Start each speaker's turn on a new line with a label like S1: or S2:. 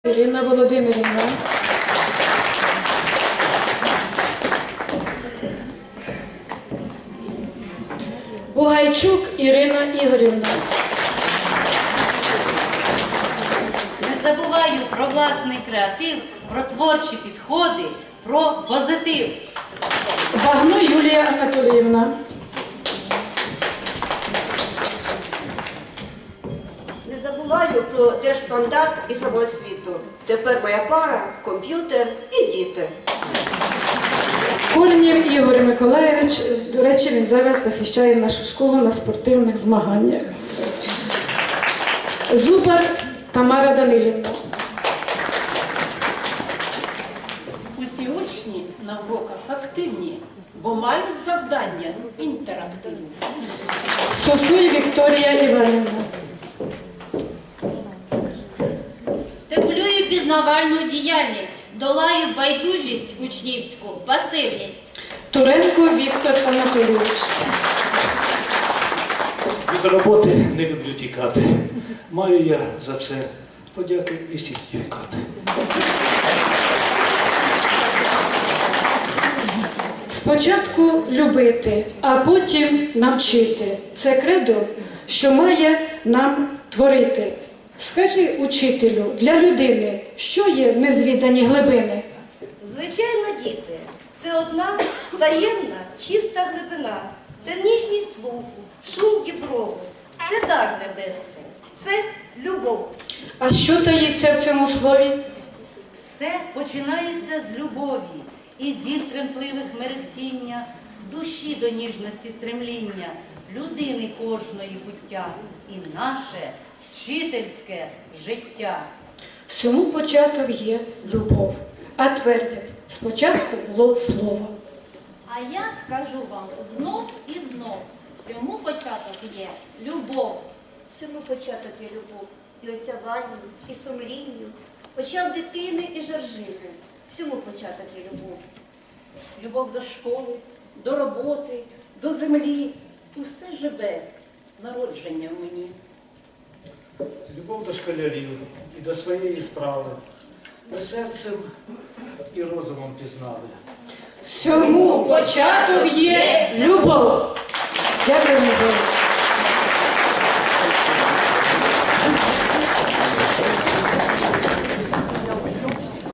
S1: Ірина Володимирівна. Бугайчук Ірина Ігорівна.
S2: Не забуваю про власний креатив, про творчі підходи, про позитив.
S1: Багно Юлія Анатоліївна.
S3: Не забуваю про держстандарт і самоосвіту. Тепер моя пара, комп'ютер і діти.
S1: Корнєв Ігор Миколаєвич, до речі, він зараз захищає нашу школу на спортивних змаганнях. Зубар Тамара Данилівна.
S4: Усі учні на уроках активні, бо мають завдання інтерактивні.
S1: Сосуй Вікторія Іванівна.
S5: Стимулюю пізнавальну діяльність, долаю байдужість учнівську, пасивність.
S1: Туренко Віктор Анатолійович.
S6: Від роботи не люблю тікати. Маю я за це подяки і сертифікати.
S1: Спочатку любити, а потім навчити. Це кредо, що має нам творити. Скажи, учителю, для людини, що є незвідані глибини?
S7: Звичайно, діти, це одна таємна, чиста глибина. Це ніжність слуху, шум діброву, це дар небесний, це любов.
S1: А що таїться в цьому слові?
S2: Все починається з любові і зір тремтливих мерехтіння, душі до ніжності стремління, людини кожної буття і наше вчительське життя.
S1: Всьому початок є любов. А твердять, спочатку було слово.
S5: А я скажу вам знов і знов, всьому початок є любов.
S3: Всьому початок є любов. І осяванню, і сумлінню. Почав дитини і жаржини. Всьому початок є любов.
S4: Любов до школи, до роботи, до землі. Усе живе з народження в мені.
S6: Любов до школярів і до своєї справи. Ми серцем і розумом пізнали.
S1: Всьому початок є любов. Дякую, Богу.